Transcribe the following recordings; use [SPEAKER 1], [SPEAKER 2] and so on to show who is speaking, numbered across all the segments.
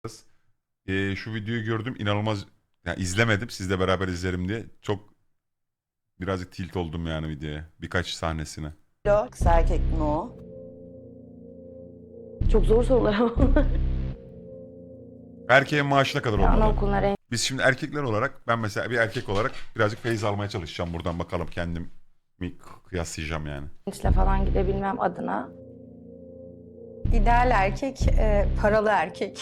[SPEAKER 1] Şu videoyu gördüm, inanılmaz, yani izlemedim, sizle beraber izlerim diye çok birazcık tilt oldum yani videoya, birkaç sahnesine.
[SPEAKER 2] Kız erkek mi o?
[SPEAKER 3] Çok zor sorular ama.
[SPEAKER 1] Erkeğin maaşı ne kadar olmalı?
[SPEAKER 3] Anaokuluna
[SPEAKER 1] Biz şimdi erkekler olarak, ben mesela bir erkek olarak birazcık feyiz almaya çalışacağım buradan, bakalım kendimi kıyaslayacağım yani.
[SPEAKER 3] rençle falan gidebilmem adına.
[SPEAKER 2] İdeal erkek, paralı erkek.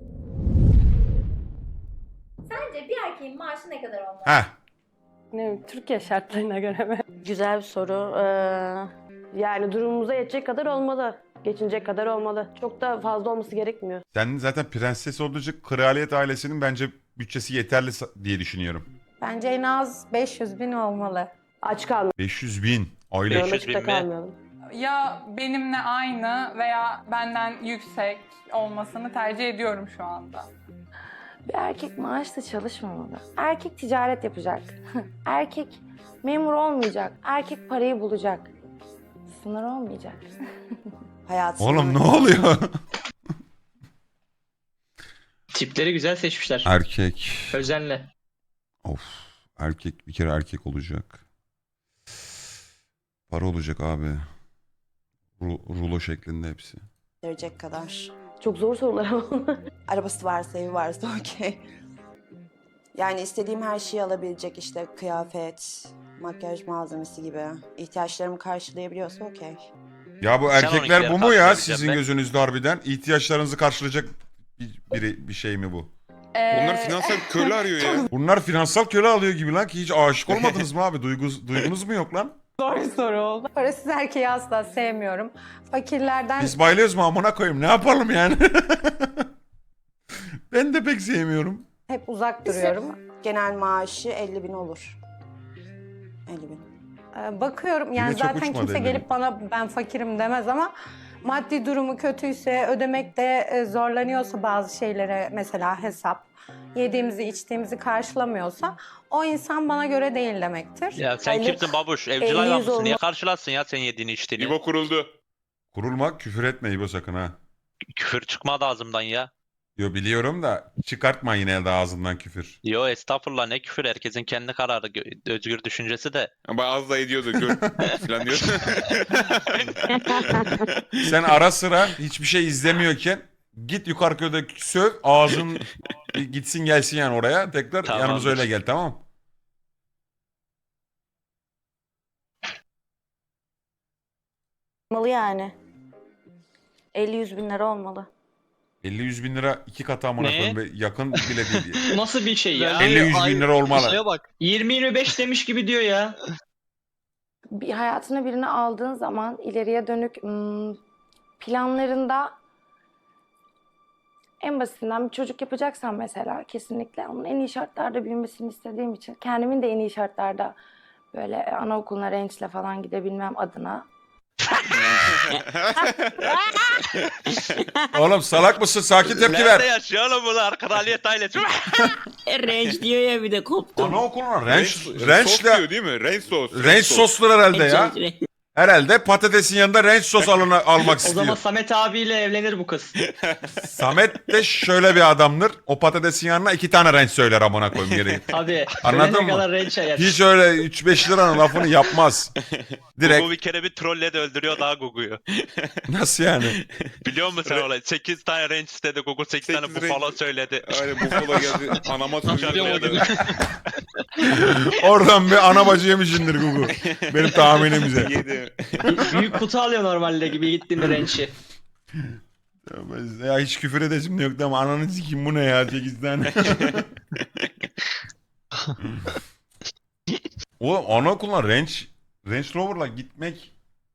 [SPEAKER 4] Sence bir erkeğin maaşı ne kadar olmalı?
[SPEAKER 1] Heh,
[SPEAKER 3] Ne bileyim, Türkiye şartlarına göre mi? Güzel bir soru. Yani durumumuza yetecek kadar olmalı. Geçinecek kadar olmalı. Çok da fazla olması gerekmiyor.
[SPEAKER 1] sen zaten prenses olduğu için kraliyet ailesinin bence bütçesi yeterli diye düşünüyorum.
[SPEAKER 2] Bence en az 500 bin olmalı.
[SPEAKER 3] Aç kalmayalım.
[SPEAKER 1] 500 bin aylık.
[SPEAKER 5] 500
[SPEAKER 3] Açıkta
[SPEAKER 5] bin mi?
[SPEAKER 3] kalmayalım.
[SPEAKER 6] Ya benimle aynı veya benden yüksek olmasını tercih ediyorum şu anda.
[SPEAKER 3] Bir erkek maaşla çalışmamalı. Erkek ticaret yapacak. Erkek memur olmayacak. Erkek parayı bulacak. Sınır olmayacak.
[SPEAKER 2] Hayatım.
[SPEAKER 1] Oğlum ne oluyor?
[SPEAKER 5] Tipleri güzel seçmişler.
[SPEAKER 1] Erkek.
[SPEAKER 5] Özenle.
[SPEAKER 1] Of. Erkek bir kere erkek olacak. Para olacak abi. Rulo şeklinde hepsi.
[SPEAKER 2] Verecek kadar.
[SPEAKER 3] Çok zor sorular ama.
[SPEAKER 2] Arabası varsa, evi varsa okey. Yani istediğim her şeyi alabilecek, işte kıyafet, makyaj malzemesi gibi. İhtiyaçlarımı karşılayabiliyorsa okey.
[SPEAKER 1] Ya bu
[SPEAKER 5] Sen
[SPEAKER 1] erkekler bu
[SPEAKER 5] onunkileri
[SPEAKER 1] mu ya
[SPEAKER 5] karşılayabileceksin
[SPEAKER 1] sizin
[SPEAKER 5] be.
[SPEAKER 1] gözünüzde harbiden? İhtiyaçlarınızı karşılayacak bir şey mi bu?
[SPEAKER 7] Onlar finansal köle arıyor ya.
[SPEAKER 1] Bunlar finansal köle alıyor gibi lan, ki hiç aşık olmadınız mı abi? Duygunuz mu yok lan?
[SPEAKER 6] Zor soru oldu.
[SPEAKER 2] Parasız erkeği asla sevmiyorum. Fakirlerden
[SPEAKER 1] Biz bayılıyoruz mu amına koyayım? Ne yapalım yani? Ben de pek sevmiyorum.
[SPEAKER 2] hep uzak duruyorum. Genel maaşı 50 bin olur. 50 bin. Bakıyorum yani
[SPEAKER 1] Yine çok
[SPEAKER 2] zaten
[SPEAKER 1] uçmadı
[SPEAKER 2] kimse
[SPEAKER 1] 50 bin.
[SPEAKER 2] gelip bana ben fakirim demez ama maddi durumu kötüyse, ödemekte zorlanıyorsa bazı şeylere, mesela hesap, yediğimizi içtiğimizi karşılamıyorsa o insan bana göre değil demektir.
[SPEAKER 5] Ya sen
[SPEAKER 3] Aylık
[SPEAKER 5] kimsin babuş?
[SPEAKER 3] 50
[SPEAKER 5] Evcil hayvan mısın?
[SPEAKER 3] olma-
[SPEAKER 5] Niye karşılarsın ya sen yediğini içtiğini?
[SPEAKER 7] İbo kuruldu.
[SPEAKER 1] Kurulma, küfür etme İbo sakın ha.
[SPEAKER 5] Küfür çıkmadı ağzımdan ya.
[SPEAKER 1] Yo biliyorum da çıkartma yine de ağzından küfür.
[SPEAKER 5] Yo estağfurullah, ne küfür, herkesin kendi kararı, özgür düşüncesi de.
[SPEAKER 7] Ama az da ediyordu gör falan diyor.
[SPEAKER 1] Sen ara sıra hiçbir şey izlemiyorken git yukarı köyde söv, ağzın gitsin gelsin yani oraya. Tekrar
[SPEAKER 5] Tamamdır.
[SPEAKER 1] yanımıza öyle gel, tamam.
[SPEAKER 3] Olmalı yani. 50-100 bin lira olmalı.
[SPEAKER 1] 50-100 bin lira iki katı amına
[SPEAKER 5] Ne?
[SPEAKER 1] koyayım be, yakın bile değil.
[SPEAKER 8] Nasıl bir şey ya?
[SPEAKER 1] 50-100 bin lira olmalı.
[SPEAKER 8] Şuraya bak. 20-25 demiş gibi diyor ya.
[SPEAKER 3] Bir hayatına birini aldığın zaman ileriye dönük planlarında en basitinden bir çocuk yapacaksan mesela kesinlikle onun en iyi şartlarda büyümesini istediğim için kendimin de en iyi şartlarda böyle anaokuluna rençle falan gidebilmem adına.
[SPEAKER 1] Oğlum salak mısın? Sakin tepki
[SPEAKER 5] Nerede
[SPEAKER 1] ver.
[SPEAKER 5] yaşıyor oğlum bunlar? Kraliyet ailesi.
[SPEAKER 9] Range diyor ya bir de koptum.
[SPEAKER 1] Anaokuluna
[SPEAKER 7] Sos
[SPEAKER 1] rençle
[SPEAKER 7] diyor değil mi? Range sos.
[SPEAKER 1] renç soslar herhalde ya. Herhalde patatesin yanında renç sos almak
[SPEAKER 8] O zaman
[SPEAKER 1] istiyor.
[SPEAKER 8] Samet abiyle evlenir bu kız.
[SPEAKER 1] Samet de şöyle bir adamdır. O patatesin yanına 2 tane renç söyler amına koyayım geri.
[SPEAKER 8] Tabii.
[SPEAKER 1] Anladın
[SPEAKER 8] ölene
[SPEAKER 1] mı?
[SPEAKER 8] kadar rençe yer.
[SPEAKER 1] Hiç öyle 3-5 liranın lafını yapmaz. Direkt.
[SPEAKER 5] Gugu bir kere bir trolle de öldürüyor daha Gugu'yu.
[SPEAKER 1] Nasıl yani?
[SPEAKER 5] Biliyor musun sen olayı? 8 tane range istedi Gugu, 8 tane
[SPEAKER 7] 8
[SPEAKER 5] buffalo
[SPEAKER 7] range.
[SPEAKER 5] söyledi.
[SPEAKER 7] Aynen Buffalo geldi. Anama söylüyordu.
[SPEAKER 1] Oradan bir ana bacı yemişindir Gugu. Benim tahminimce.
[SPEAKER 7] Yedi.
[SPEAKER 8] Büyük kutu alıyor normalde gibi gitti mi rençi.
[SPEAKER 1] Ya hiç küfür edesim de yoktu ama ananı sikeyim bu ne ya 8 tane. Oğlum anaokuluna Range Rover'la gitmek,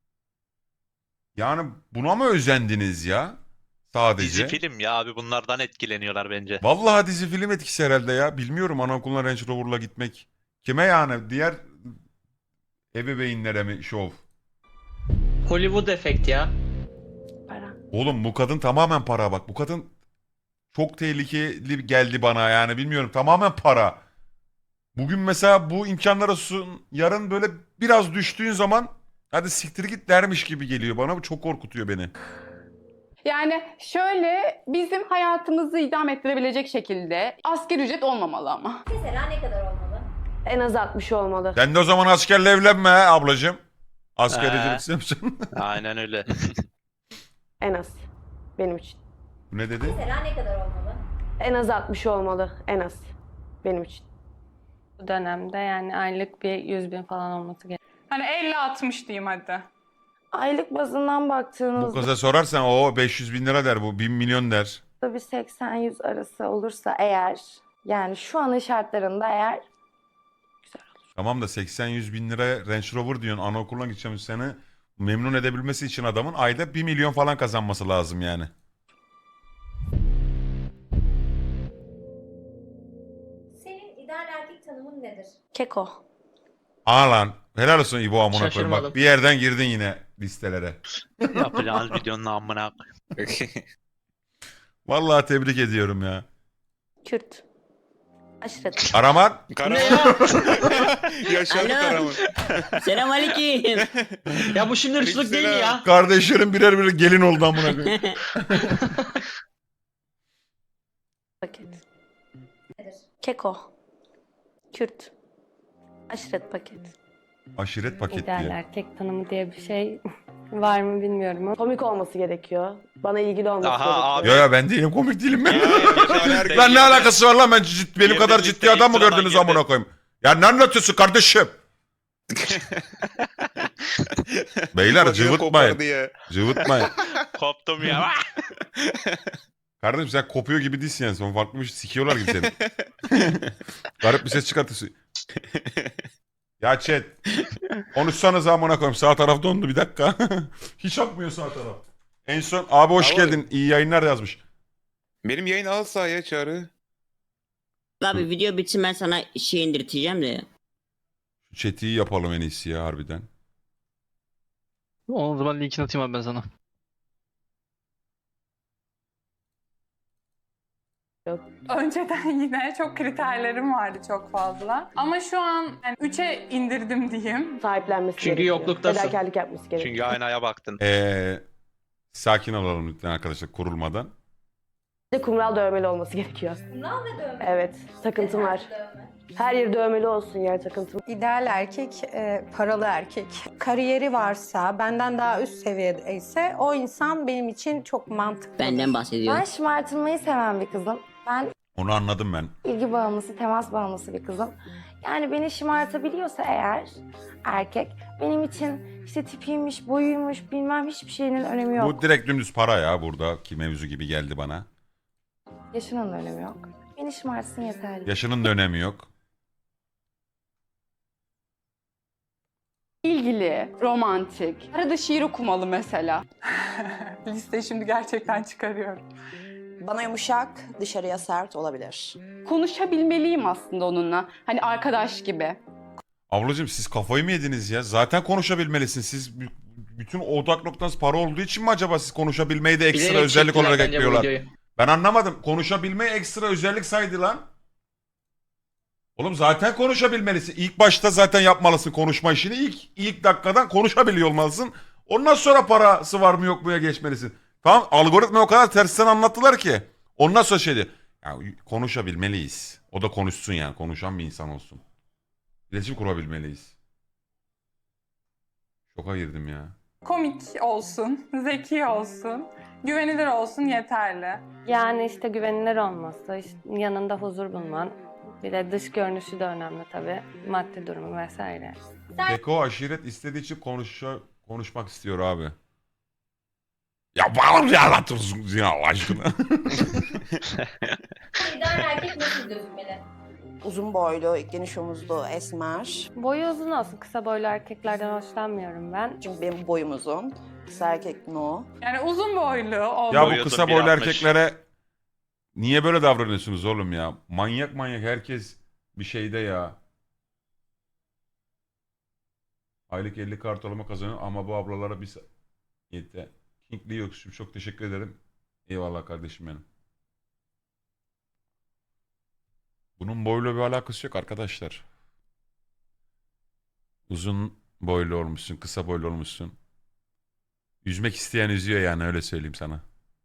[SPEAKER 1] yani buna mı özendiniz ya? Sadece.
[SPEAKER 5] Dizi film ya abi, bunlardan etkileniyorlar bence.
[SPEAKER 1] Vallahi dizi film etkisi herhalde ya. Bilmiyorum anaokuluna Range Rover'la gitmek. Kime yani? Diğer ebeveynlere mi şov?
[SPEAKER 8] Hollywood efekt ya.
[SPEAKER 3] Para.
[SPEAKER 1] Oğlum bu kadın tamamen para bak. Bu kadın çok tehlikeli geldi bana yani bilmiyorum. Tamamen para. Bugün mesela bu imkanlara sun, yarın böyle biraz düştüğün zaman hadi siktir git dermiş gibi geliyor bana. Bu çok korkutuyor beni.
[SPEAKER 10] Yani şöyle bizim hayatımızı idame ettirebilecek şekilde asgari ücret olmamalı ama.
[SPEAKER 4] Mesela ne kadar olmalı?
[SPEAKER 3] En az 60 olmalı.
[SPEAKER 1] Sen de o zaman askerle evlenme ablacığım. Asker
[SPEAKER 5] He.
[SPEAKER 1] ücret istiyorsun.
[SPEAKER 5] Aynen öyle.
[SPEAKER 3] En az. Benim için.
[SPEAKER 1] Ne dedi?
[SPEAKER 4] Mesela ne kadar olmalı?
[SPEAKER 3] En az 60 olmalı. En az. Benim için.
[SPEAKER 6] Bu dönemde yani aylık bir 100.000 falan olması gerekiyor. Hani 50-60 diyeyim hadi.
[SPEAKER 3] Aylık bazından
[SPEAKER 1] Bu
[SPEAKER 3] baktığınızda
[SPEAKER 1] kıza sorarsan o 500 bin lira der, bu 1 milyon der.
[SPEAKER 3] bir 80-100 arası olursa eğer, yani şu anın şartlarında eğer
[SPEAKER 1] Tamam da 80-100 bin lira Range Rover diyorsun, anaokuluna gideceğim, seni memnun edebilmesi için adamın ayda 1 milyon falan kazanması lazım yani.
[SPEAKER 4] Senin ideal erkek tanımın nedir?
[SPEAKER 3] keko.
[SPEAKER 1] Aa lan helal olsun İbo, amına koyayım, bak
[SPEAKER 8] Şaşırmadım.
[SPEAKER 1] bir yerden girdin yine listelere.
[SPEAKER 5] Yapacağınız videonun amına.
[SPEAKER 1] Vallahi tebrik ediyorum ya.
[SPEAKER 3] Kürt. Aşiret.
[SPEAKER 1] Karaman.
[SPEAKER 7] Karaman. Yaşadı
[SPEAKER 9] Alo.
[SPEAKER 7] Karaman.
[SPEAKER 9] Selamünaleyküm.
[SPEAKER 8] Ya bu şimdi hırsızlık değil mi ya?
[SPEAKER 1] Kardeşlerim birer birer gelin oldu amına koyayım.
[SPEAKER 3] Paket.
[SPEAKER 4] Nedir?
[SPEAKER 3] Keko. Kürt. Aşiret paket.
[SPEAKER 1] Aşiret paket
[SPEAKER 6] İdeal
[SPEAKER 1] diyor.
[SPEAKER 6] erkek tanımı diye bir şey var mı bilmiyorum ama.
[SPEAKER 3] Komik olması gerekiyor. Bana ilgili olması
[SPEAKER 5] Aha,
[SPEAKER 3] gerekiyor.
[SPEAKER 1] Yo yo ben değilim, komik değilim ben.
[SPEAKER 7] Hayır,
[SPEAKER 1] Lan ne alakası var lan, ben benim
[SPEAKER 5] Girdi,
[SPEAKER 1] kadar ciddi
[SPEAKER 5] listeye
[SPEAKER 1] adam mı
[SPEAKER 5] sıradan
[SPEAKER 1] gördünüz
[SPEAKER 5] girdi.
[SPEAKER 1] amına koyayım? Ya ne anlatıyorsun kardeşim? Beyler
[SPEAKER 7] Bacını
[SPEAKER 1] cıvıtmayın.
[SPEAKER 7] kopardı ya.
[SPEAKER 1] Cıvıtmayın.
[SPEAKER 5] Koptum ya.
[SPEAKER 1] Kardeşim sen kopuyor gibi değilsin yani. Sen farklı bir şey, sikiyorlar gibi seni. Garip bir ses çıkartıyorsun. Ya chat. Konuşsanız amına koyayım. Sağ taraf dondu, bir dakika. Hiç akmıyor sağ taraf. En son abi hoş
[SPEAKER 7] Abi.
[SPEAKER 1] geldin. İyi yayınlar yazmış.
[SPEAKER 7] Benim yayın al sahaya Çağrı.
[SPEAKER 9] Abi video bitsin ben sana şey indirteceğim de.
[SPEAKER 1] Şu chat'i iyi yapalım en iyisi ya harbiden.
[SPEAKER 11] O zaman linkini atayım abi ben sana.
[SPEAKER 6] Önceden yine çok kriterlerim vardı çok fazla. Ama şu an yani 3'e indirdim diyeyim.
[SPEAKER 3] Sahiplenmesi
[SPEAKER 8] Çünkü
[SPEAKER 3] gerekiyor.
[SPEAKER 8] yokluktasın.
[SPEAKER 3] Fedakarlık yapması gerekiyor.
[SPEAKER 5] Çünkü aynaya baktın.
[SPEAKER 1] Sakin olalım lütfen arkadaşlar, kurulmadan.
[SPEAKER 3] Bir de kumral dövmeli olması gerekiyor.
[SPEAKER 4] Kumral ve dövme.
[SPEAKER 3] Evet. Takıntım var.
[SPEAKER 4] Dövme.
[SPEAKER 3] Her yer dövmeli olsun yani takıntım.
[SPEAKER 2] İdeal erkek, paralı erkek. Kariyeri varsa, benden daha üst seviyede ise o insan benim için çok mantıklı.
[SPEAKER 9] Benden bahsediyor.
[SPEAKER 3] Ben şımartılmayı seven bir kızım. Ben
[SPEAKER 1] Onu anladım ben.
[SPEAKER 3] ilgi bağımlısı, temas bağımlısı bir kızım. Yani beni şımartabiliyorsa eğer erkek, benim için işte tipiymiş, boyuymuş, bilmem hiçbir şeyinin önemi yok.
[SPEAKER 1] Bu direkt dümdüz para ya, buradaki mevzu gibi geldi bana.
[SPEAKER 3] Yaşının da önemi yok. Beni şımartsın yeterli.
[SPEAKER 1] Yaşının da önemi yok.
[SPEAKER 10] İlgili, romantik. Arada şiir okumalı mesela.
[SPEAKER 6] Listeyi şimdi gerçekten çıkarıyorum.
[SPEAKER 12] Bana yumuşak, dışarıya sert olabilir.
[SPEAKER 10] Konuşabilmeliyim aslında onunla. Hani arkadaş gibi.
[SPEAKER 1] Ablacığım siz kafayı mı yediniz ya? Zaten konuşabilesin. Siz bütün odak noktanız para olduğu için mi acaba siz konuşabilmeyi de ekstra
[SPEAKER 8] Bilerek
[SPEAKER 1] özellik
[SPEAKER 8] çektiler
[SPEAKER 1] olarak
[SPEAKER 8] bence bu
[SPEAKER 1] ekliyorlar?
[SPEAKER 8] videoyu.
[SPEAKER 1] Ben anlamadım. Konuşabilmeyi ekstra özellik saydı lan. Oğlum zaten konuşabilmelisin. İlk başta zaten yapmalısın konuşma işini. İlk dakikadan konuşabiliyor olmalısın. Ondan sonra parası var mı yok muya geçmelisin. Tamam, algoritma o kadar tersten anlattılar ki. Ondan sonra şeydi. Ya konuşabilmeliyiz. O da konuşsun yani. Konuşan bir insan olsun. İletişim kurabilmeliyiz. Şoka girdim ya.
[SPEAKER 6] Komik olsun, zeki olsun, güvenilir olsun yeterli.
[SPEAKER 3] Yani işte güvenilir olması, işte yanında huzur bulman. Bir de dış görünüşü de önemli tabii. Maddi durumu vesaire.
[SPEAKER 1] Keko aşiret istediği için konuşmak istiyor abi. Ya bana mı anlatıyorsunuz ya Allah aşkına?
[SPEAKER 4] İdeal erkek nasıl gözükmeli?
[SPEAKER 12] Uzun boylu, geniş omuzlu, esmer.
[SPEAKER 3] Boyu uzun olsun. Kısa boylu erkeklerden hoşlanmıyorum ben.
[SPEAKER 12] Çünkü benim boyum uzun. Kısa erkek no.
[SPEAKER 6] Yani uzun boylu olmalı.
[SPEAKER 1] Ya bu
[SPEAKER 5] Boyuyorsun,
[SPEAKER 1] kısa boylu
[SPEAKER 5] 1.60.
[SPEAKER 1] erkeklere niye böyle davranıyorsunuz oğlum ya? Manyak herkes bir şeyde ya. Aylık 50 kart ortalama kazanıyor ama bu ablalara bir yeter. Kingli yokuşum, çok teşekkür ederim. Eyvallah kardeşim benim. Bunun boyuyla bir alakası yok arkadaşlar. Uzun boylu olmuşsun, kısa boylu olmuşsun. Yüzmek isteyen yüzüyor yani, öyle söyleyeyim sana.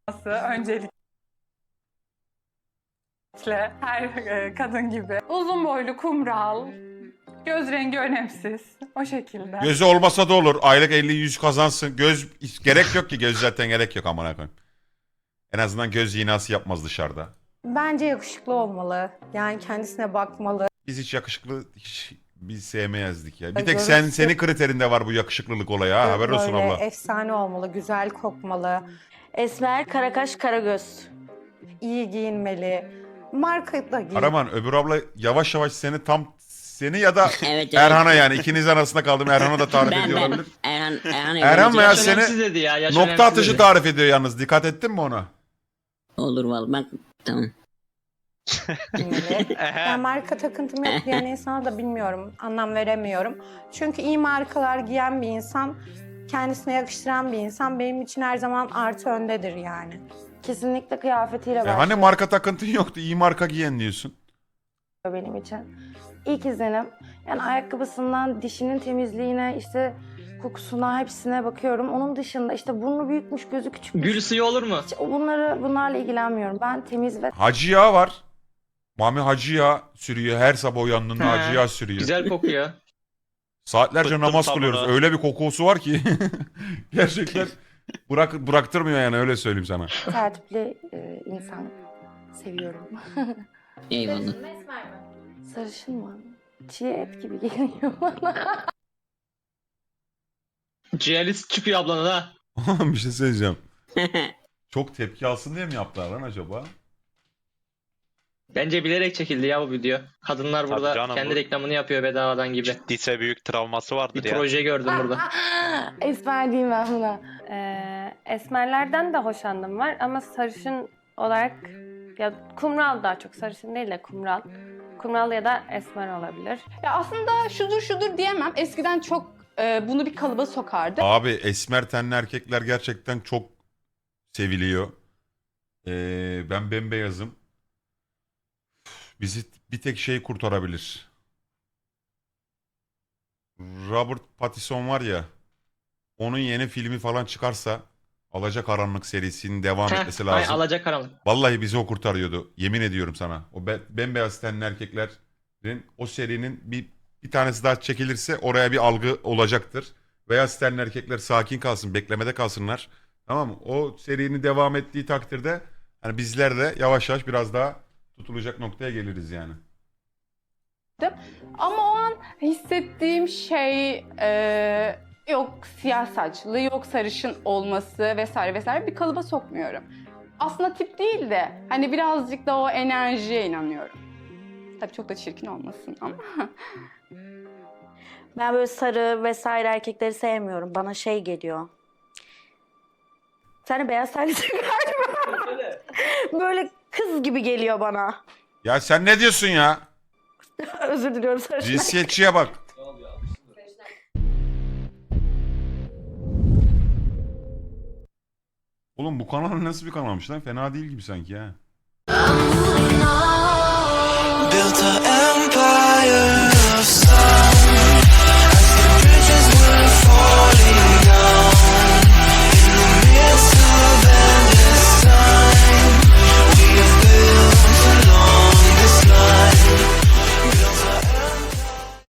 [SPEAKER 6] öncelikle her kadın gibi. Uzun boylu, kumral, göz rengi önemsiz. O şekilde.
[SPEAKER 1] Gözü olmasa da olur. Aylık 50-100 kazansın. Göz gerek yok ki. Göz zaten gerek yok amına koyayım. En azından göz iğnası yapmaz dışarıda.
[SPEAKER 2] Bence yakışıklı olmalı. Yani kendisine bakmalı.
[SPEAKER 1] Biz hiç yakışıklı biz sevmeyezdik ya. Bir
[SPEAKER 2] Ay,
[SPEAKER 1] tek
[SPEAKER 2] görürsün.
[SPEAKER 1] senin kriterinde var bu yakışıklılık olayı ha. Haber olsun
[SPEAKER 2] Böyle
[SPEAKER 1] abla.
[SPEAKER 2] efsane olmalı, güzel kokmalı,
[SPEAKER 3] Esmer, karakaş, karagöz.
[SPEAKER 2] iyi giyinmeli. Marka da giyin.
[SPEAKER 1] Karaman öbür abla yavaş yavaş seni ya da
[SPEAKER 9] Evet,
[SPEAKER 1] Erhan'a yani ikiniz arasında kaldım. Erhan'a da tarif ediyor
[SPEAKER 9] ben.
[SPEAKER 1] olabilir.
[SPEAKER 9] Erhan
[SPEAKER 1] Erhan veya
[SPEAKER 8] Yaş
[SPEAKER 1] seni
[SPEAKER 8] önemsiz dedi ya. Yaş
[SPEAKER 1] nokta
[SPEAKER 8] önemsiz
[SPEAKER 1] atışı
[SPEAKER 8] dedi.
[SPEAKER 1] tarif ediyor yalnız. Dikkat ettin mi ona?
[SPEAKER 9] Olur vallahi ben tamam.
[SPEAKER 2] giyinmeli. Ben marka takıntım yok diyen insana da bilmiyorum, anlam veremiyorum. Çünkü iyi markalar giyen bir insan, kendisine yakıştıran bir insan benim için her zaman artı öndedir yani.
[SPEAKER 3] Kesinlikle kıyafetiyle başlıyor
[SPEAKER 1] Hani marka takıntın yoktu. İyi marka giyen diyorsun.
[SPEAKER 3] benim için. İlk izlenim. Yani ayakkabısından dişinin temizliğine, işte kokusuna, hepsine bakıyorum. Onun dışında işte burnu büyükmüş, gözü küçükmüş.
[SPEAKER 8] Gül suyu olur mu?
[SPEAKER 3] Hiç bunlarla ilgilenmiyorum. Ben temiz ve
[SPEAKER 1] Hacı yağı var. Mami hacı yağı sürüyor. Her sabah uyandığında
[SPEAKER 8] He.
[SPEAKER 1] hacı yağı sürüyor.
[SPEAKER 8] Güzel kokuyor.
[SPEAKER 1] Saatlerce
[SPEAKER 5] Bıktım
[SPEAKER 1] namaz
[SPEAKER 5] sabuna.
[SPEAKER 1] kılıyoruz. Öyle bir kokusu var ki. Gerçekten bıraktırmıyor yani öyle söyleyeyim sana.
[SPEAKER 3] tertipli insan seviyorum.
[SPEAKER 9] Eyvallah.
[SPEAKER 4] Sarışın mı esmer mi?
[SPEAKER 3] Sarışın mı? Çiğ et gibi geliyor bana.
[SPEAKER 8] Ciğerlisi çıkıyor ablanın ha.
[SPEAKER 1] Bir şey söyleyeceğim. Çok tepki alsın diye mi yaptılar lan acaba?
[SPEAKER 8] Bence bilerek çekildi ya bu video. Kadınlar
[SPEAKER 5] Tabii
[SPEAKER 8] burada
[SPEAKER 5] canım,
[SPEAKER 8] kendi
[SPEAKER 5] bu-
[SPEAKER 8] reklamını yapıyor bedavadan gibi.
[SPEAKER 5] Ciddiyse büyük travması vardır
[SPEAKER 8] Bir
[SPEAKER 5] ya.
[SPEAKER 8] proje gördüm burada.
[SPEAKER 3] Esmer diyeyim ben buna.
[SPEAKER 6] Esmerlerden de hoşlandım var ama sarışın olarak ya kumral daha çok sarışın değil de kumral. Kumral ya da esmer olabilir.
[SPEAKER 10] Ya aslında şudur diyemem. Eskiden çok bunu bir kalıba sokardı.
[SPEAKER 1] Abi esmer tenli erkekler gerçekten çok seviliyor. Ben bembeyazım. Bizi bir tek şey kurtarabilir. Robert Pattinson var ya. Onun yeni filmi falan çıkarsa Alacakaranlık serisinin devam etmesi
[SPEAKER 8] Ay,
[SPEAKER 1] lazım.
[SPEAKER 8] alacakaranlık.
[SPEAKER 1] Vallahi bizi o kurtarıyordu. Yemin ediyorum sana. O bembeyaz tenli erkeklerin o serinin bir tanesi daha çekilirse oraya bir algı olacaktır. Beyaz tenli erkekler sakin kalsın, beklemede kalsınlar. Tamam mı? O serinin devam ettiği takdirde hani bizler de yavaş yavaş biraz daha tutulacak noktaya geliriz yani.
[SPEAKER 10] Ama o an hissettiğim şey yok siyah saçlı, yok sarışın olması vesaire vesaire bir kalıba sokmuyorum. Aslında tip değil de hani birazcık da o enerjiye inanıyorum. Tabii çok da çirkin olmasın ama.
[SPEAKER 3] Ben böyle sarı vesaire erkekleri sevmiyorum. Bana şey geliyor. Sen de beyaz terlisin galiba. Böyle kız gibi geliyor bana.
[SPEAKER 1] Ya sen ne diyorsun ya?
[SPEAKER 3] Özür diliyorum sarışın.
[SPEAKER 1] Cinsiyetçiye bak. Oğlum bu kanal nasıl bir kanalmış lan? Fena değil gibi sanki ha.
[SPEAKER 11] Built a